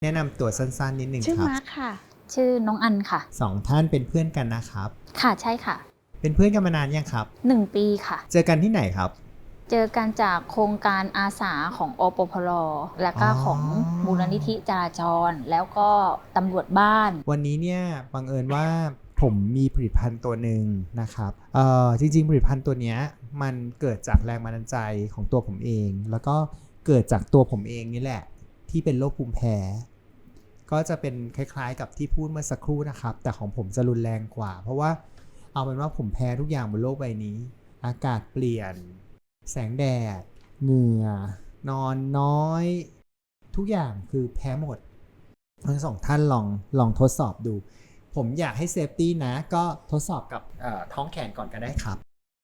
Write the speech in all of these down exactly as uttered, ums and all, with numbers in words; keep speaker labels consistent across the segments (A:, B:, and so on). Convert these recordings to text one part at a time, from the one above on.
A: แนะนำตัวสั้นๆนิดนึง
B: ชื่อ
A: ครับ
B: มาร์คค่ะ
C: ชื่อน้องอันค่ะ
A: สองท่านเป็นเพื่อนกันนะครับ
C: ค่ะใช่ค่ะ
A: เป็นเพื่อนกันมานานยังครับ
C: หนึ่งปีค่ะ
A: เจอกันที่ไหนครับ
C: เจอกันจากโครงการอาสาของอปพลและก็ของมูลนิธิจราจรแล้วก็ตำรวจบ้าน
A: วันนี้เนี่ยบังเอิญว่าผมมีผลิตภัณฑ์ตัวหนึ่งนะครับเอ่อจริงๆผลิตภัณฑ์ตัวเนี้ยมันเกิดจากแรงบันดาลใจของตัวผมเองแล้วก็เกิดจากตัวผมเองนี่แหละที่เป็นโรคภูมิแพ้ก็จะเป็นคล้ายๆกับที่พูดเมื่อสักครู่นะครับแต่ของผมจะรุนแรงกว่าเพราะว่าเอาเป็นว่าผมแพ้ทุกอย่างบนโลกใบนี้อากาศเปลี่ยนแสงแดดเหงื่อนอนน้อยทุกอย่างคือแพ้หมดทั้งสองท่านลองลองทดสอบดูผมอยากให้เซฟตี้นะก็ทดสอบกับท้องแขนก่อนก็ได้ครับ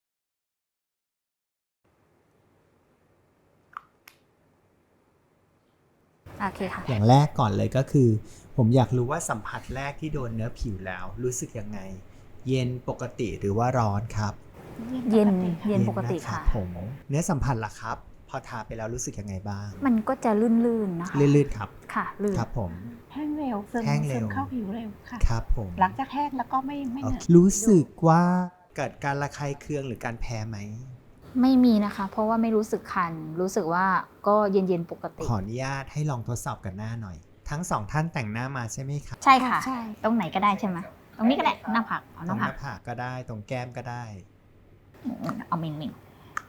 C: โอเคค่ะ
A: อย่างแรกก่อนเลยก็คือผมอยากรู้ว่าสัมผัสแรกที่โดนเนื้อผิวแล้วรู้สึกยังไงเย็นปกติหรือว่าร้อนครับ
C: เย็นเย็นปกติค่ะ
A: ผมเนื้อสัมผัสล่ะครับพอทาไปแล้วรู้สึกยังไงบ้าง
C: มันก็จะลื่นๆนะคะ
A: ลื่นๆครับ
C: ค่ะลื่น
A: ครับผม
B: แห้งเร็วซึมซึมเข้าผิวเร็วค่ะ
A: ครับผม
B: หลังจากแห้งแล้วก็ไม่ไม่เหนอะ
A: รู้สึกว่าเกิดการระคายเคืองหรือการแพ้ไหม
C: ไม่มีนะคะเพราะว่าไม่รู้สึกคันรู้สึกว่าก็เย็นๆปกติ
A: ขออนุญาตให้ลองทดสอบกันหน้าหน่อยทั้งสองท่านแต่งหน้ามาใช่ไหมครับ
C: ใช่ค่ะตรงไหนก็ได้ใช่ไหมตรงนี้ก็ได้หน้าผากเอาห
A: ตร
C: น้างผาก
A: หน้าผากก็ได้ตรงแก้มก็ได้
C: เอาเมงเมง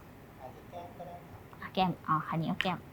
C: แก้มอ๋อคันนี้เอาแก้ม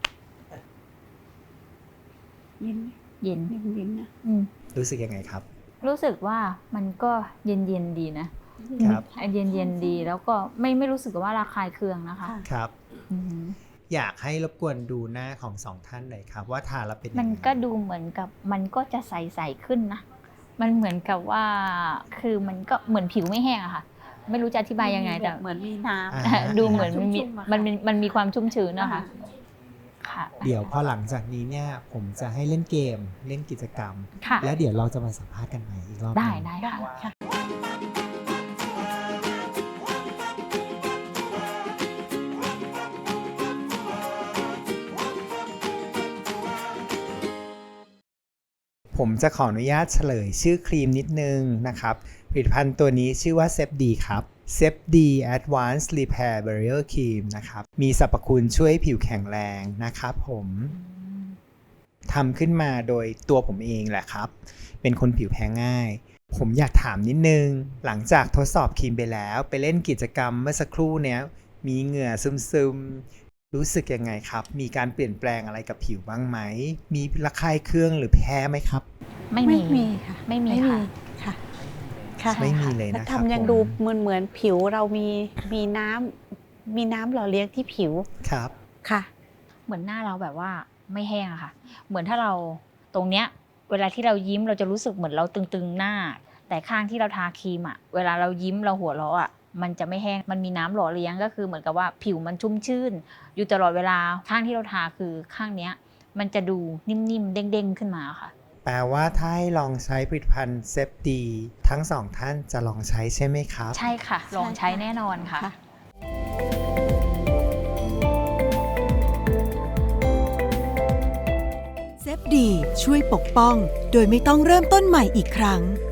B: เย็น
C: เย็น
B: เย็นเย็นนะ
A: รู้สึกยังไงครับ
C: รู้สึกว่ามันก็เย็นเย็นดีนะครับเย็นเย็นดีแล้วก็ไม่ไม่รู้สึกว่าระคายเคืองนะคะ
A: ครับอยากให้รบกวนดูหน้าของสองท่านหน่อยครับว่าทาแล้วเป็น
C: มันก็ดูเหมือนกับมันก็จะใสๆขึ้นนะมันเหมือนกับว่าคือมันก็เหมือนผิวไม่แห้งอะค่ะไม่รู้จะอธิบายยังไงแต่
B: เหมือนมีน้
C: ำดูเหมือนมันมีมันมันมีความชุ่มชื้นนะคะ
A: ค่ะเดี๋ยวพอหลังจากนี้เนี่ยผมจะให้เล่นเกมเล่นกิจกรรมแล้วเดี๋ยวเราจะมาสัมภาษณ์กันใหม่อีกรอบ
C: ได้ได้ค่ะ
A: ผมจะขออนุญาตเฉลยชื่อครีมนิดนึงนะครับผลิตภัณฑ์ตัวนี้ชื่อว่าเซฟดีครับเซฟดี Advanced Repair Barrier Cream นะครับมีสรรพคุณช่วยผิวแข็งแรงนะครับผมทำขึ้นมาโดยตัวผมเองแหละครับเป็นคนผิวแพ้ง่ายผมอยากถามนิดนึงหลังจากทดสอบครีมไปแล้วไปเล่นกิจกรรมเมื่อสักครู่เนี้ยมีเหงื่อซึมๆรู้สึกยังไงครับมีการเปลี่ยนแปลงอะไรกับผิวบ้างไหมมีระคายเคืองหรือแพ้ไหมครับ
C: ไม่มี
B: ค่ะ
C: ไม่มีค่ะ
B: ค่ะ
A: ไม่มีเลยนะครับ
B: ทำยังดูเหมือนเหมือนผิวเรามีมีน้ำมีน้ำหล่อเลี้ยงที่ผิว
A: ครับ
B: ค่ะ
C: เหมือนหน้าเราแบบว่าไม่แห้งอะค่ะเหมือนถ้าเราตรงเนี้ยเวลาที่เรายิ้มเราจะรู้สึกเหมือนเราตึงๆหน้าแต่ข้างที่เราทาครีมอะเวลาเรายิ้มเราหัวเราะอะมันจะไม่แห้งมันมีน้ำหล่อเลี้ยงก็คือเหมือนกับว่าผิวมันชุ่มชื่นอยู่ตลอดเวลาข้างที่เราทาคือข้างเนี้ยมันจะดูนิ่มๆเด้งๆขึ้นมาค่ะ
A: แปลว่าถ้าให้ลองใช้ผลิตภัณฑ์เซฟดีทั้งสองท่านจะลองใช้ใช่ไหมครับ
C: ใช่ค่ะลองใช้แน่นอนค่ะ
D: เซฟดีช่วยปกป้องโดยไม่ต้องเริ่มต้นใหม่อีกครั้ง